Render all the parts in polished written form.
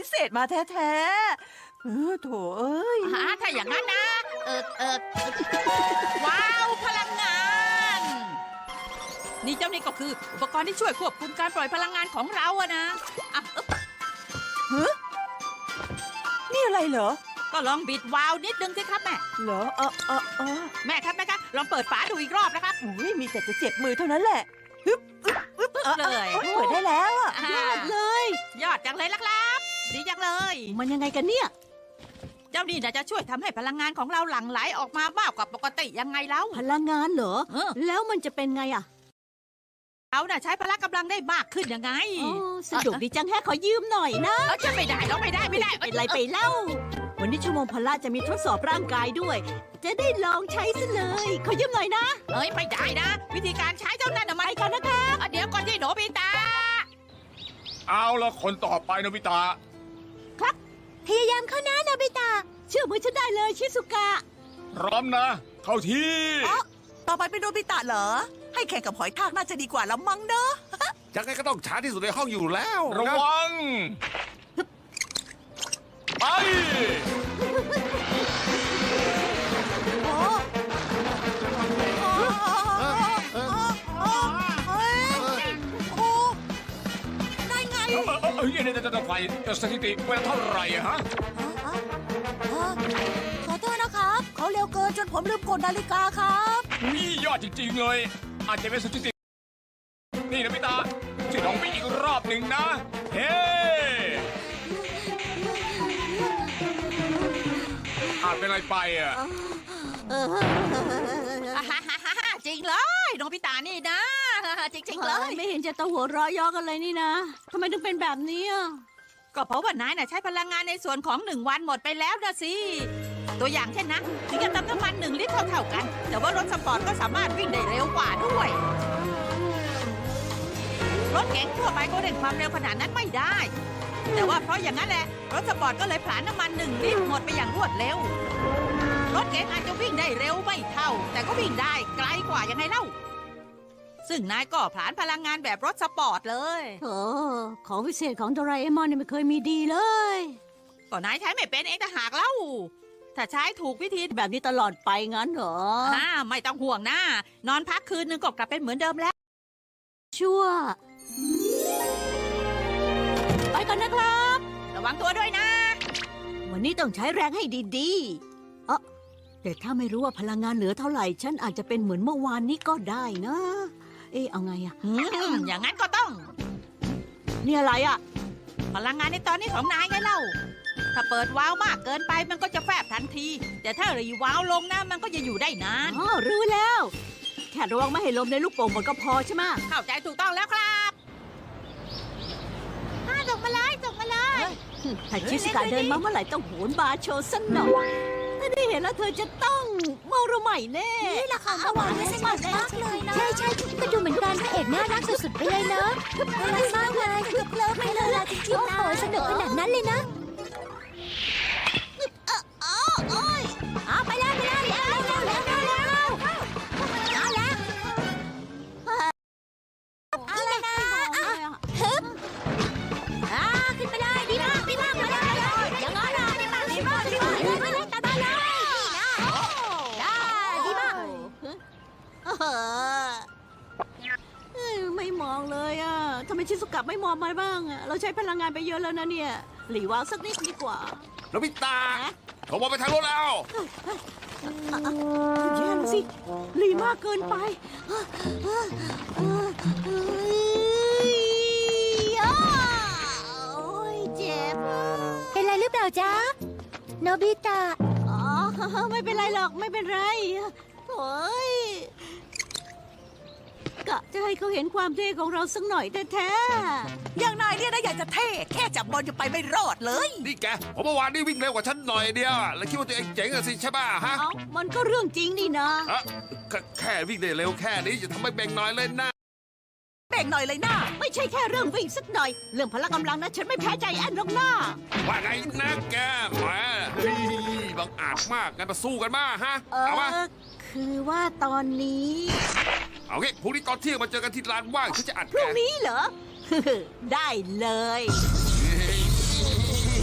พิเศษมาแท้ๆโถเอ้ยถ้าอย่างนั้นนะ ว้าวพลังงาน นี่เจ้านี่ก็คืออุปกรณ์ที่ช่วยควบคุมการปล่อยพลังงานของเราอะนะอ่ะนี่อะไรเหรอก็ลองบิดวาล์วนิดนึงสิครับแม่เหรอแม่ครับลองเปิดฝาดูอีกรอบนะครับอุ้ยมีแต่จะเจ็บมือเท่านั้นแหละฮึบเลยเปิดได้แล้วอะยอดเลย ยอดจังเลยล่ะครับดีจังเลยมันยังไงกันเนี่ยเจ้านี่น่ะจะช่วยทำให้พลังงานของเราหลั่งไหลออกมามากกว่าปกติยังไงแล้วพลังงานเหรอ แล้วมันจะเป็นไงอะเราน่ะใช้พละกำลังได้มากขึ้นยังไงสนุกดีจังแฮะขอยืมหน่อยนะจะไม่ได้แล้วไม่ได้เป็นไรไปเล่า วันนี้ชั่วโมงพละจะมีทดสอบร่างกายด้วย จะได้ลองใช้ซะเลย ขอยืมหน่อยนะไม่ได้นะ วิธีการใช้เจ้านั่นน่ะมันไปกันนะครับเดี๋ยวก่อนที่โนบิตะเอาละคนต่อไปโนบิตะพยายามเข้านะโนบิตะเชื่อมือฉันได้เลยชิสุกะพร้อมนะ เข้าที่ต่อไปเป็นโนบิตะเหรอ ให้แข่งกับหอยทากน่าจะดีกว่าแล้วมั้งเนอะยังไงก็ต้องช้าที่สุดในห้องอยู่แล้วระนะวัง ไปได้ไงไฟสถิติเวลาเท่าไหร่อะฮะขอโทษนะครับ เขาเร็วเกินจนผมลืมกดนาฬิกาครับนี่ยอดจริงๆเลย อาจจะเป็นสถิติ นี่โนบิตะช่วยลองไปอีกรอบหนึ่งนะ เฮ้อาจเป็นอะไรไปอะจริงเลยโนบิตะนี่นะ จริงๆเลยไม่เห็นจะต้องหัวเราะย่อกันเลยนี่นะทำไมถึงเป็นแบบนี้อะก็เพราะว่านายน่ะใช้พลังงานในส่วนของ1 วันหมดไปแล้วนะสิ ตัวอย่างเช่นนะถึงจะเติมน้ำมัน1 ลิตรเท่าๆกัน แต่ว่ารถสปอร์ตก็สามารถวิ่งได้เร็วกว่าด้วย รถเก๋งทั่วไปก็เร่งความเร็วขนาดนั้นไม่ได้ แต่ว่าเพราะอย่างนั้นแหละรถสปอร์ตก็เลยผลาญน้ำมัน1 ลิตรหมดไปอย่างรวดเร็ว รถเก๋งอาจจะวิ่งได้เร็วไม่เท่า แต่ก็วิ่งได้ไกลกว่ายังไงเล่า ซึ่งนายก็ผลาญพลังงานแบบรถสปอร์ตเลยโอ้ของพิเศษของโดราเอมอนเนี่ยไม่เคยมีดีเลยก็นายใช้ไม่เป็นเองต่างหากเล่า ถ้าใช้ถูกวิธีแบบนี้ตลอดไปงั้นเหรอไม่ต้องห่วงนะ นอนพักคืนนึงก็กลับเป็นเหมือนเดิมแล้วชั่ว ไปก่อนนะครับระวังตัวด้วยนะวันนี้ต้องใช้แรงให้ดีๆแต่ถ้าไม่รู้ว่าพลังงานเหลือเท่าไหร่ ฉันอาจจะเป็นเหมือนเมื่อวานนี้ก็ได้นะ เอาไงอะอย่างนั้นก็ต้องนี่อะไรอะพลังงานในตอนนี้ของนายไงเล่า ถ้าเปิดวาล์วมากเกินไปมันก็จะแฟบทันที แต่ถ้ารีวาล์วลงนะมันก็จะอยู่ได้นานรู้แล้ว แค่ระวังไม่ให้ลมในลูกโป่งหมดก็พอใช่ไหมเข้าใจถูกต้องแล้วครับส่งมาเลยส่งมาเลยถ้าชิสกาเดินมาเมื่อไหร่ต้องโหนบาร์โชว์สักหน่อยถ้าได้เห็นแล้วเธอจะต้องเมาระใหม่แน่นี่แหละค่ะเมื่อวานนี้สนุกมากเลยนะใช่ก็ดูเหมือนกันพระเอกน่ารักสุดๆไปเลยเนอะน่ารักมากเลยคือเคลิ้มไปเลยล่ะจริโอ้งๆโหนะสนุกขนาดนั้นเลยนะไปแล้วเอาละนะขึ้นไปเลยดีมากมาเลยอย่างนั้นนะดีมากไปเลยตามมาเลยดีมากไม่มองเลยอ่ะทำไมชิสุกะไม่มองมาบ้างอ่ะเราใช้พลังงานไปเยอะแล้วนะเนี่ยหลีวางสักนิดดีกว่าโนบิตะเขาบอกไปทางโน้นแล้วแย่แล้วสิหลีมากเกินไปโอ้ยเจ็บเป็นไรหรือเปล่าจ๊ะ โนบิตะอ๋อไม่เป็นไรหรอกไม่เป็นไรโถ่ยกะจะให้เขาเห็นความเท่ของเราสักหน่อยแท้อย่างนายเนี่ยนะอยากจะเท่แค่จับบอลจะไปไม่รอดเลยนี่แกผมเมื่อวานนี่วิ่งเร็วกว่าฉันหน่อยเดียวแล้วคิดว่าตัวเองเจ๋งอะสิใช่ป่ะฮะๆเอ้ามันก็เรื่องจริงนี่นะแค่วิ่งได้เร็วแค่นี้จะทำให้แบ่งน้อยเลยนะเบ่งหน่อยเลยนะไม่ใช่แค่เรื่องวิ่งสักหน่อย เรื่องพละกำลังนะฉันไม่แพ้ใจแอนหรอกนะว่าไงนะแกแหมบังอาจมากงั้นมาสู้กันมาฮะเอามาคือว่าตอนนี้เอางี้พรุ่งนี้ตอนเที่ยงมาเจอกันที่ลานว่างฉันจะอัดพแกรุ่งนี้เหรอ ได้เลยเ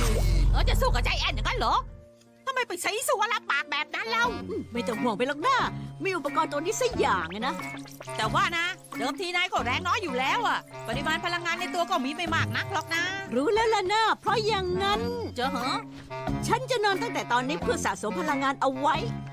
จะสู้กับใจแอนอย่างนั้นเหรอทำไมไปใช้สัวรับปากแบบนั้นเล่าไม่ต้องห่วงไปหรอกนะมีอุปกรณ์ตัวนี้สักอย่างไงนะแต่ว่านะ เดิมทีนายก็แรงน้อยอยู่แล้วอะปริมาณพลังงานในตัวก็มีไม่มากนักหรอกนะรู้แล้วล่ะนะเพราะอย่างนั้นเจอเหรอฉันจะนอนตั้งแต่ตอนนี้เพื่อสะสมพลังงานเอาไว้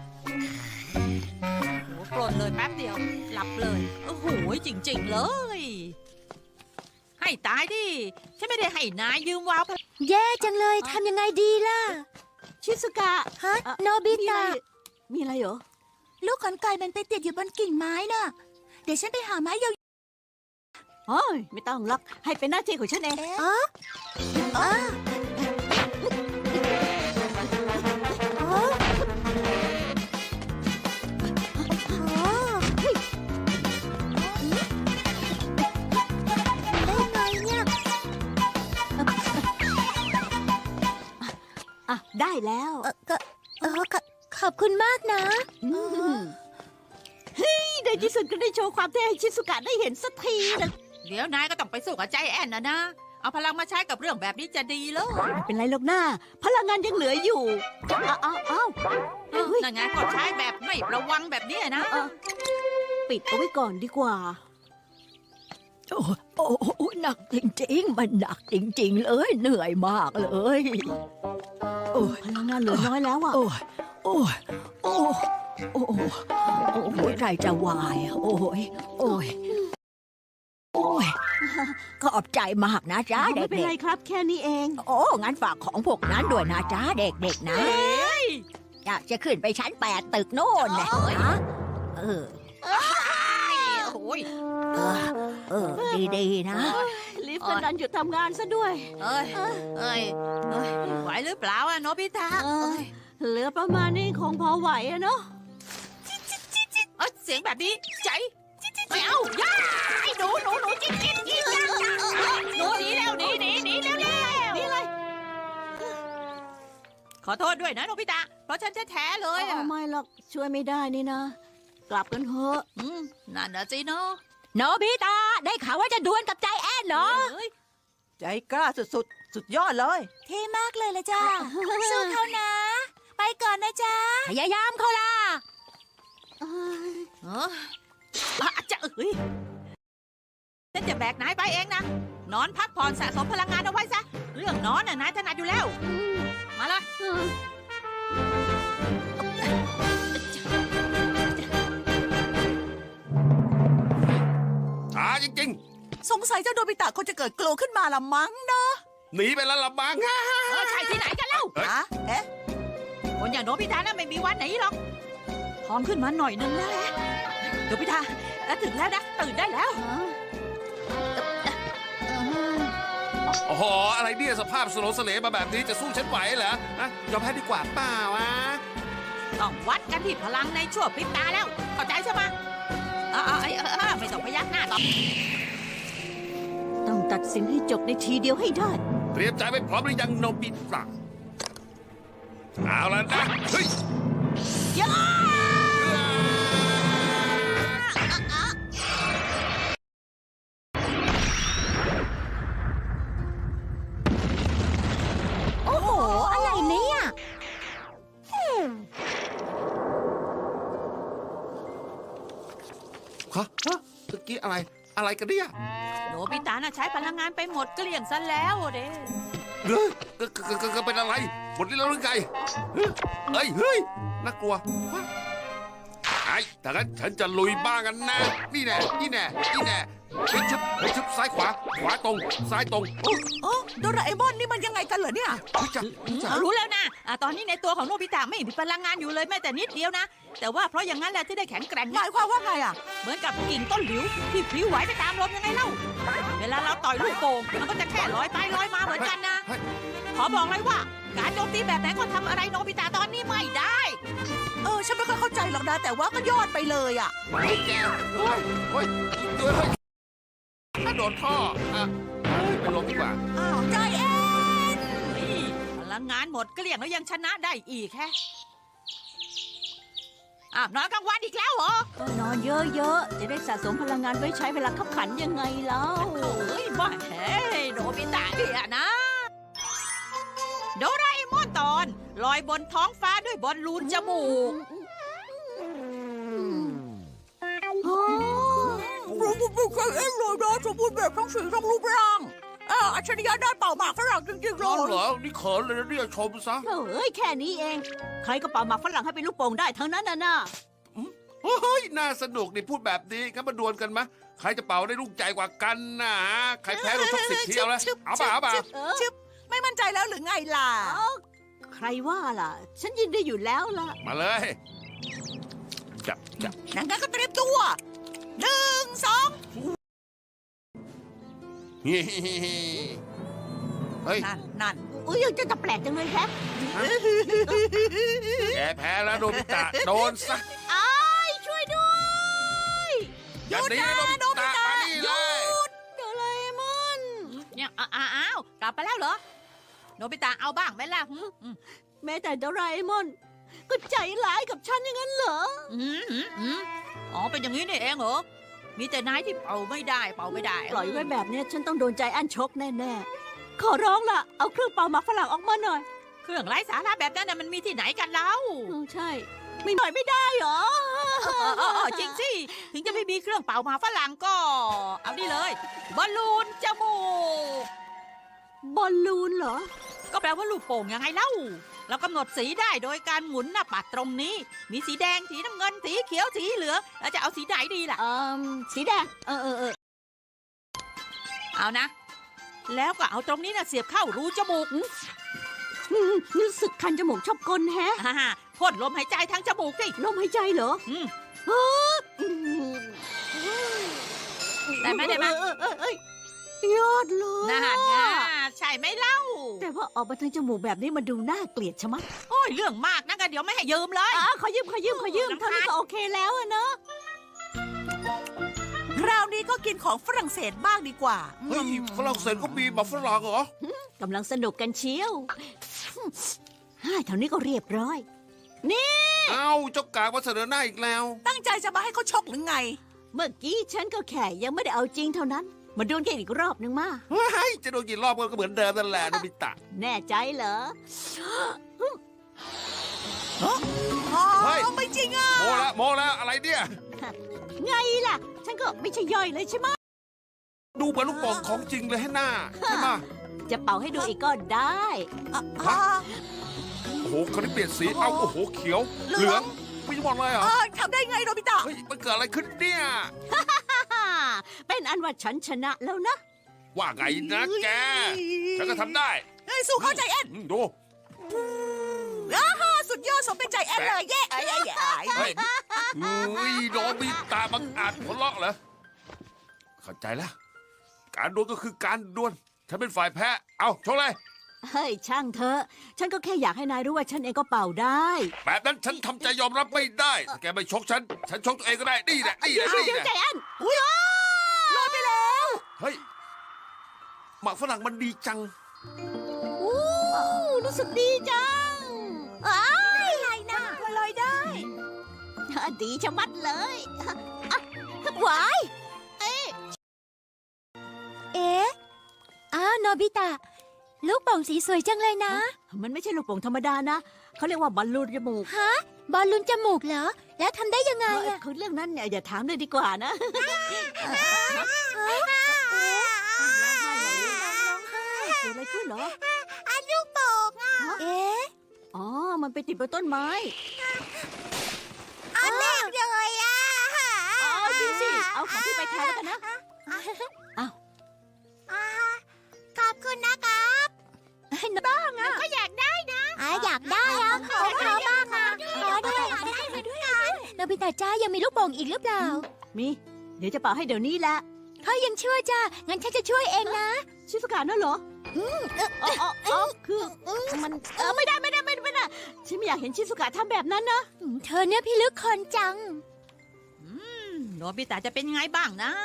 โอ้ปลดเลยแป๊บเดียว หลับเลย โอ้โหจริง ๆ เลย ให้ตายดิ ฉันไม่ได้ให้นายยืมวาวพลังแย่จังเลยทำยังไงดีล่ะชิสุกะฮะเอ่อโนบิมีอะไรตะมีอะไรเหรอลูกขนไก่มันไปติดอยู่บนกิ่งไม้น่ะ เดี๋ยวฉันไปหาไม้ยาวโอ้ยไม่ต้องหรอกให้เป็นหน้าที่ของฉันเองอ๋ออ๋ออ๋อได้ไงเนี่ยอ่ะได้แล้วขอบคุณมากนะมเฮ้ยในที่สุดก็ได้โชว์ความเท่ให้ชิสุกะได้เห็นสักทีนะเดี๋ยวนายก็ต้องไปสู้กับใจแอนนะ เอาพลังมาใช้กับเรื่องแบบนี้จะดีเลยไม่เป็นไรหรอกนะพลังงานยังเหลืออยู่อ้าวนั่นไงก็ใช้แบบไม่ระวังแบบนี้นะปิดเอาไว้ก่อนดีกว่า โอ้หนักจริงๆ มันหนักจริงๆ เลย เหนื่อยมากเลยพลังงานเหลือน้อยแล้วอ่ะ หัวใจจะวาย โอ้ยก็ขอบใจมากนะจ๊ะเด็กๆ ไม่เป็นไรครับ แค่นี้เอง โอ้ งั้นฝากของพวกนั้นด้วยนะจ๊ะเด็กๆ นะอยากจะขึ้นไปชั้น8 ตึกโน่นนะเออโอ้ยดีๆ นะ ลิฟต์ก็ดันหยุดทำงานซะด้วยเอ้ยไหวหรือเปล่าอะโนบิตะเหลือประมาณนี้คงพอไหวอะเนาะเสียงแบบนี้ใจไม่เอาย่าไอ้หนูจิ๊กหนูหนีแล้วหนีแล้วนี่เลยขอโทษด้วยนะโนบิตะ เพราะฉันแท้ๆเลยอะไม่หรอกช่วยไม่ได้นี่นะ กลับกันเถอะนั่นนะสิเนาะโนบิตะได้ข่าวว่าจะดวลกับใจแอนเหรอใจกล้าสุดยอดเลยเท่มากเลยละจ้าสู้เขานะ ไปก่อนนะจ๊ะพยายามเขาล่ะจะฉันจะแบกนายไปเองนะ นอนพักผ่อนสะสมพลังงานเอาไว้ซะ เรื่องนอนน่ะนายถนัดอยู่แล้ว มาเลยช้าจริงสงสัยเจ้าโดบิตะคงจะเกิดกลัวขึ้นมาละมั้งเนาะๆ หนีไปแล้วละมั้งใช่ที่ไหนกันเล่าเฮ้ยอะเอ๊ะคนอย่างโนบิตะน่ะไม่มีวันไหนหรอกพร้อมขึ้นมาหน่อยนึงแล้วแหละโนบิตะถึงแล้วนะ ตื่นได้แล้วโอ้โห อะไรเนี่ยสภาพสโลสเลมาแบบนี้จะสู้ฉันไหวเหรอนะยอมแพ้ดีกว่าเปล่าวะต้องวัดกันที่พลังในชั่วพริบตาแล้ว เข้าใจใช่ไหมไม่ต้องพยักหน้าต่อต้องตัดสินให้จบในทีเดียวให้ได้เตรียมใจไว้พร้อมหรือยังโนบิตะเอาแล้วนะ เฮ้ยโอ้โห อะไรเนี่ยฮะเมื่อกี้อะไรกันเนี่ยโนบิตะน่ะใช้พลังงานไปหมดเกลี้ยงซะแล้วเด้เฮ้ยก็เป็นอะไรหมดที่แล้วหรือไงเฮ้ยน่ากลัวไอ้แต่งั้นฉันจะลุยบ้างกันนะ นี่แน่ชุบซ้ายขวาตรงซ้ายตรงโอ้โดราเอมอนนี่มันยังไงกันเหรอเนี่ยรู้แล้วนะตอนนี้ในตัวของโนบิตะไม่มีพลังงานอยู่เลยแม้แต่นิดเดียวนะ แต่ว่าเพราะอย่างนั้นแหละที่ได้แข็งแกร่งหมายความว่าไงอ่ะเหมือนกับกิ่งต้นหลิวที่พลิ้วไหวไปตามลมยังไงเล่า เวลาเราต่อยลูกโป่งมันก็จะแค่ลอยไปลอยมาเหมือนกันนะ ขอบอกเลยว่า การโจมตีแบบไหนก็ทำอะไรโนบิตะตอนนี้ไม่ได้ฉันไม่ค่อยเข้าใจหรอกนะ แต่ว่าก็ยอดไปเลยอ่ะไอ้แกเฮ้ยถ้าโดนท่อไปลงดีกว่าอ้าวใจเอ็นพลังงานหมดเกลี้ยงแล้วยังชนะได้อีกแค่นอนกลางวันอีกแล้วเหรอก็นอนเยอะๆ จะได้สะสมพลังงานไว้ใช้เวลาขับขันยังไงแล้วเฮ้ยบ้าโนบิตะเนี่ยนะ โดราเอมลอยบนท้องฟ้าด้วยบอลลูนจมูกรู้ไม่เคยเอ็นเลยนะสมบูรณ์แบบทั้งสีทั้งรูปร่างอัจฉริยะด้านเป่าหมากฝรั่งจริงๆเลร้อนยเหรอ นี่เขินเลยนะเนี่ยชมซะเอ้ยแค่นี้เอง ใครก็เป่าหมากฝรั่งให้เป็นลูกโป่งได้ทั้งนั้นน่ะเฮ้ย น่าสนุกนี่พูดแบบนี้งั้นมาดวลกันมะใครจะเป่าได้ลูกใจกว่ากันนะใครแพ้โดนชก10 ทีเอาละเอาป่ะเอาป่ะชึบไม่มั่นใจแล้วหรือไงล่ะใครว่าล่ะ ฉันยินดีอยู่แล้วล่ะมาเลยจับงั้นก็เตรียมตัว1 2 เฮ้ยนั่นอุ้ยยังจะแปลกจังเลยแฮะแกแพ้แล้วโดนพิตะโดนซะอ้ายช่วยด้วยอย่าหนีโดนพิตะมานี่เลยโดราเอมอนเนี่ยอ้าวกลับไปแล้วเหรอ โนบิตะเอาบ้างไหมล่ะแม้แต่โดราเอมอน ก็ใจร้ายกับฉันอย่างนั้นเหรออ๋อเป็นอย่างนี้นี่เองเหรอ มีแต่นายที่เป่าไม่ได้ปล่อยไว้แบบเนี้ยฉันต้องโดนใจอันชกแน่ๆ ขอร้องล่ะ เอาเครื่องเป่าหมากฝรั่งออกมาหน่อยเครื่องไร้สาระแบบนั้นน่ะมันมีที่ไหนกันเล่าใช่ ไม่หน่อยไม่ได้เหรอจริงสิ ถึงจะไม่มีเครื่องเป่าหมากฝรั่งก็ เอานี่เลย บอลลูนจมูกบอลลูนเหรอก็แปลว่าลูกโป่งยังไงเล่า เรากำหนดสีได้โดยการหมุนหน้าปัดตรงนี้ มีสีแดง สีน้ำเงิน สีเขียว สีเหลือง แล้วจะเอาสีไหนดีล่ะสีแดงเอานะ แล้วก็เอาตรงนี้นะเสียบเข้ารูจมูกรู้สึกคันจมูกชอบกลแฮะพ่นลมหายใจทางจมูกสิลมหายใจเหรอได้ไหมได้ไหมยอดเลยน่าไงใช่ไหมเล่าแต่ว่าออกมาทางจมูกแบบนี้มันดูน่าเกลียดใช่ไหมโอ้ยเรื่องมากนะกันเดี๋ยวไม่ให้ยืมเลยขอยืมเท่านี้ก็โอเคแล้วอะเนาะคราวนี้ก็กินของฝรั่งเศสบ้างดีกว่าเฮ้ยฝรั่งเศสก็มีหมากฝรั่งเหรอกำลังสนุกกันเชียวเท่านี้ก็เรียบร้อยเอ้าเจ้ากากมาเสนอหน้าอีกแล้วตั้งใจจะมาให้เขาชกหรือไงเมื่อกี้ฉันก็แค่ยังไม่ได้เอาจริงเท่านั้น มาดวลกันอีกรอบนึงมาเฮ้ยจะโดนกี่รอบก็เหมือนเดิมนั่นแหละโนบิตะแน่ใจเหรอเฮ้ยไม่จริงอ่ะโมแล้วอะไรเนี่ยไงล่ะ ฉันก็ไม่ใช่ย่อยเลยใช่ไหมดูเหมือนลูกโป่งของจริงเลยให้หน้าใช่ไหมจะเป่าให้ดูอีกก็ได้โอ้โหเขาได้เปลี่ยนสีเอาโอ้โหเขียวเหลืองไม่บอกเลยเหรอทำได้ไงโนบิตะเฮ้ยมันเกิดอะไรขึ้นเนี่ยเป็นอันว่าฉันชนะแล้วนะว่าไงนะแกฉันก็ทำได้สู้เข้าใจแอนดูสุดยอดสมเป็นใจแอนเลยแย่เฮ้ยอุ้ยโนบิตะบังอาจหัวเราะเหรอเข้าใจแล้วการดวลก็คือการดวลฉันเป็นฝ่ายแพ้เอาโชว์เลยเฮ้ยช่างเถอะ ฉันก็แค่อยากให้นายรู้ว่าฉันเองก็เป่าได้แบบนั้นฉันทำใจยอมรับไม่ได้ถ้าแกไม่ชกฉันชกตัวเองก็ได้นี่แหละนี่แหละเดี๋นี่ยวแหละใจอันลอยไปแล้วเฮ้ยหมากฝรั่งมันดีจังรู้สึกดีจังอะไรนะลอยได้ดีชะมัดเลยหวายเอ๊ะอ้าวโนบิตะ ลูกโป่งสีสวยจังเลยนะมันไม่ใช่ลูกโป่งธรรมดานะ เขาเรียกว่าบอลลูนจมูกฮะ บอลลูนจมูกเหรอ แล้วทำได้ยังไงอะคือเรื่องนั้นเนี่ยอย่าถามเลยดีกว่านะ เกิดอะไรขึ้นเหรอลูกโป่งอะเอ๊ะอ๋อ มันไปติดบนต้นไม้อันแรกเลยอะอ๋อจริงสิ เอาของพี่ไปแทนแล้วกันนะขอบคุณนะครับบ้างอะก็อยากได้นะอยากได้อะขอบ้างอะขอด้วยโนบิตะจ้ายังมีลูกโป่งอีกหรือเปล่ามี เดี๋ยวจะเป่าให้เดี๋ยวนี้แหละเขายังช่วยจ้างั้นฉันจะช่วยเองนะชิสุกะนั่นเหรอคือมันไม่ได้ฉันไม่อยากเห็นชิสุกะทำแบบนั้นนะเธอเนี่ยพี่ลึกคนจังโนบิตะจะเป็นไงบ้างนะ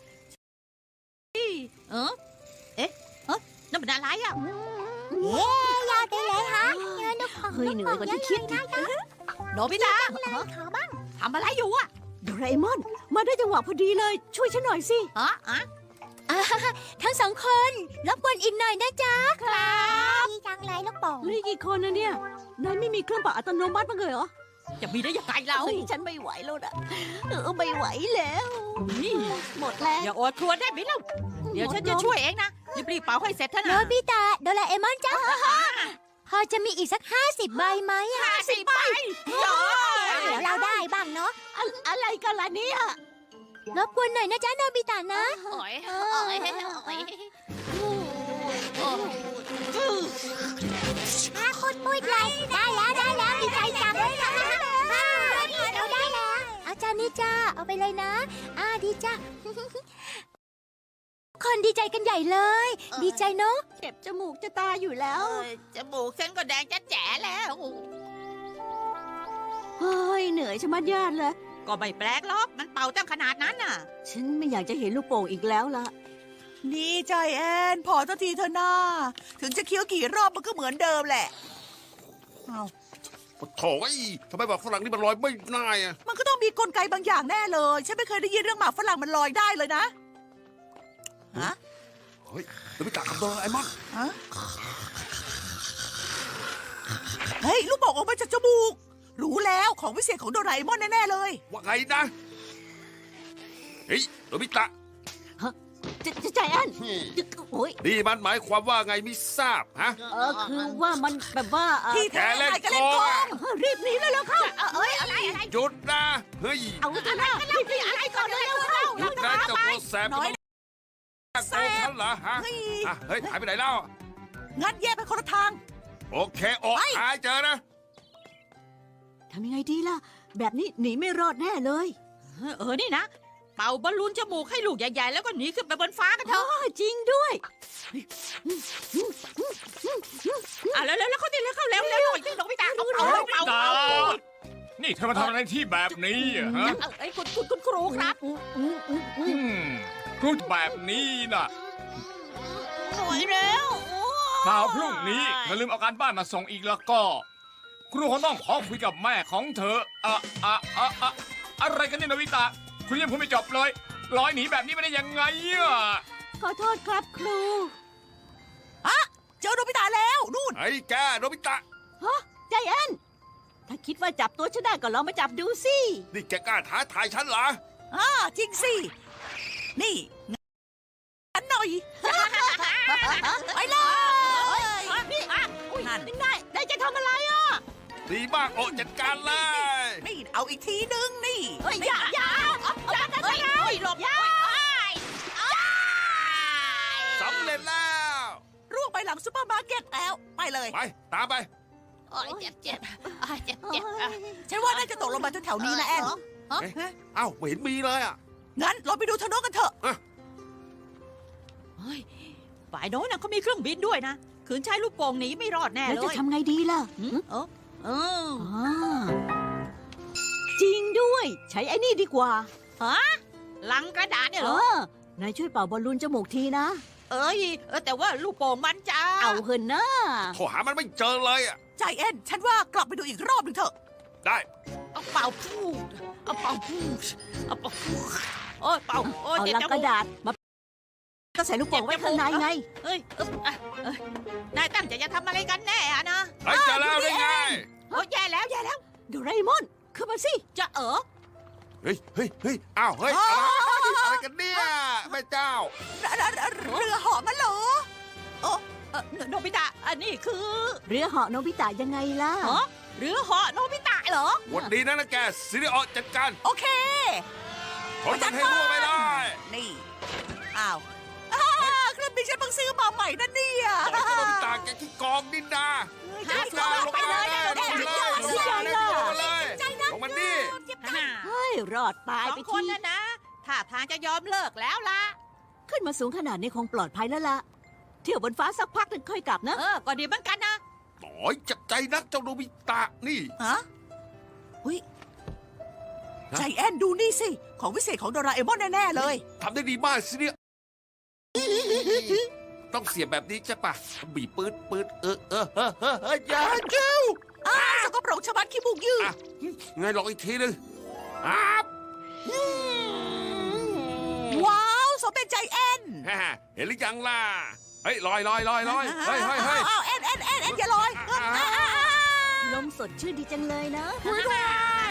นั่นเป็นอะไรอ่ะเย้ยอดไปเลยฮะเฮ้ยเหนื่อยกว่าที่คิดโนบิตะขอบ้างทำอะไรอยู่อ่ะโดราเอมอน มาได้จังหวะพอดีเลย ช่วยฉันหน่อยสิฮะทั้งสองคนรบกวนอีกหน่อยนะจ๊ะครับดีจังเลยลูกโป่งเหลือกี่คนนะเนี่ยนายไม่มีเครื่องเป่าอัตโนมัติบ้างเลยเหรอจะมีได้ยังไงเราเฮ้ยฉันไม่ไหวแล้วนะไม่ไหวแล้วนี่หมดแรงอย่าอดครวญได้ไหมเล่าเดี๋ยวฉันจะช่วยเองนะรีบๆเป่าให้เสร็จเถอะโนนะบิตะโดราเอมอนจ้าพอจะมีอีกสัก50 ใบไหมอะ 50 ใบเดี๋ยวเราได้บ้างเนาะอะไรกันล่ะเนี่ยรบกวนหน่อยนะจ๊ะโนบิตะนะโอ้ยคุณปุ้ยเลยได้แล้วดีใจจังเลยนะเราได้แล้วอาจารย์นี่จ้าเอาไปเลยนะดีจ้าคนดีใจกันใหญ่เลย ดีใจเนาะเจ็บจมูกจะตายอยู่แล้วจมูกฉันก็แดงจะแจ๋แล้วเฮ้ยเหนื่อยชะมัดญาติเลยก็ไม่แปลกหรอกมันเป่าตั้งขนาดนั้นน่ะฉันไม่อยากจะเห็นลูกโป่งอีกแล้วล่ะนี่ใจแอนพอสักทีเถอะนาถึงจะเคี้ยวกี่รอบมันก็เหมือนเดิมแหละเอาโถ่ไอ้ทำไมบอกฝรั่งนี่มันลอยไม่ได้อะมันก็ต้องมีกลไกบางอย่างแน่เลย ฉันไม่เคยได้ยินเรื่องหมากฝรั่งมันลอยได้เลยนะฮะเฮ้ยโนบิตะกับโดราเอมอนฮะเฮ้ย ลูกโป่งออกมาจากจมูก รู้แล้วของวิเศษของโดราเอมอนแน่ๆเลยว่าไงนะเฮ้ยโนบิตะใจแอนโอ้ยนี่มันหมายความว่าไงไม่ทราบฮะคือว่ามันแบบว่าที่แกแท้เล่นนายก็โกเล่นงโกอะงรีบหนีเลยแล้วเข้าหยุดนะเฮ้ยเอาเถอะนะรีบอะไรก่อนเลยเข้าหยุดนะเจ้าตัวแสบน้อยโกงฉันเหรอฮะเฮ้ยอ่ะเฮ้ยหายไปไหนแล้วงั้นแยกไปคนละทางโอเคโอ้หายเจอนะทำยังไงดีล่ะ แบบนี้หนีไม่รอดแน่เลยนี่นะ เป่าบอลลูนจมูกให้ลูกใหญ่ๆแล้วก็หนีขึ้นไปบนฟ้ากันเถอ๋อะอจริงด้วยแล้วเขาตีแล้วเข้าแล้วหน่อยที่น้องพี่ตาเอาตานี่เธอมาทำอะไรที่แบบนี้อะฮะไอ้คุณครูครับอืมพูดแบบนี้น่ะหน่อยแล้วข่าวพรุ่งนี้เธอลืมเอาการบ้านมาส่งอีกแล้วก็ ครูคงต้องขอคุยกับแม่ของเธออะไรกันเนี่ยโนบิตะคุณยังพูดไม่จบเลยลอยหนีแบบนี้ไปได้ยังไงอ่ะขอโทษครับครูเจอโนบิตะแล้วนู่นไอ้แกโนบิตะใจแอนถ้าคิดว่าจับตัวฉันได้ก็ลองมาจับดูสินี่แกกล้าท้าทายฉันเหรอจริงสิ นี่ฉันหน่อย ไปเลยนี่นั่นนายจะทำอะไรอ่ะดีมากโอ้จัดการเลยนี่เอาอีกทีนึงนี่อย่าหลบสำเร็จแล้วร่วงไปหลังซุปเปอร์มาร์เก็ตแล้ว ไปเลยไปตามไปเจ็บฉันว่าน่าจะตกลงมาแถวๆนี้นะแอนเอ้าไม่เห็นมีเลยอ่ะงั้นเราไปดูทางโน้นกันเถอะฝ่ายโน้นน่ะเขามีเครื่องบินด้วยนะขืนใช้ลูกโป่งหนีไม่รอดแน่แล้วเลจะยทำไงดีล่ะ จริงด้วย ใช้ไอ้นี่ดีกว่าลังกระดาษเนี่ยเอเหรออนายช่วยเป่าบอลลูนจมูกทีนะแต่ว่าลูกโป่งมันจะเอาเหินนะโทรหามันไม่เจอเลยอ่ะใจแอนฉันว่ากลับไปดูอีกรอบหนึ่งเถอะได้เอาเป่าพูดเอาเป่าพูดเอาเป่าพูดโอ้ยเป่าโอ้ยเอาเจ็บลังจกมูระกดาษมาก็ใส่ลูกโป่งไว้ข้างในไงเอ้ยนายตั้งใจจะทำอะไรกันแน่อะนะไอ้เจอแล้วได้ไงโอ้ยแย่แล้วโดราเอมอนขึ้นมาสิจะเฮ้ยอ้าวเฮ้ยอะไรกันเนี่ยแม่เจ้าเรือเหาะมันเหรอโนบิตะอันนี้คือเรือเหาะโนบิตะยังไงล่ะหรือเหาะโนบิตะเหรอวันดีนะแกซิริโอจัดการโอเคผลมันให้รั่วไม่ได้นี่ อ้าวเครื่องบินฉันเพิ่งซื้อมาใหม่นะเนี่ยต่อยกระโดดตากแกที่กองดินดาลงมาเลยของมันนี่เฮ้ย รอดตายสอไปงคนทีนะนะท่าทางจะยอมเลิกแล้วล่ะขึ้นมาสูงขนาดนี้คงปลอดภัยแล้วล่ะ เที่ยวบนฟ้าสักพักถึงค่อยกลับนะก็ดีเหมือนกันนะหน่อยจับใจนักเจ้าโนบิตะนี่ฮะอุ้ยใจแอนดูนี่สิ ของวิเศษของโดราเอมอนแน่ๆเลยทำได้ดีมากซิริต้องเสียบแบบนี้ใช่ปะบีบปืดอย่าเจ้าสกปรกชะมัดขี้มูกยืดไงลองอีกทีนึงว้าว สมเต้นใจแอนเห็นหรือยังล่ะเฮ้ยลอยเฮ้ยแอนอย่าลอยลมสดชื่นดีจังเลยนะว้าว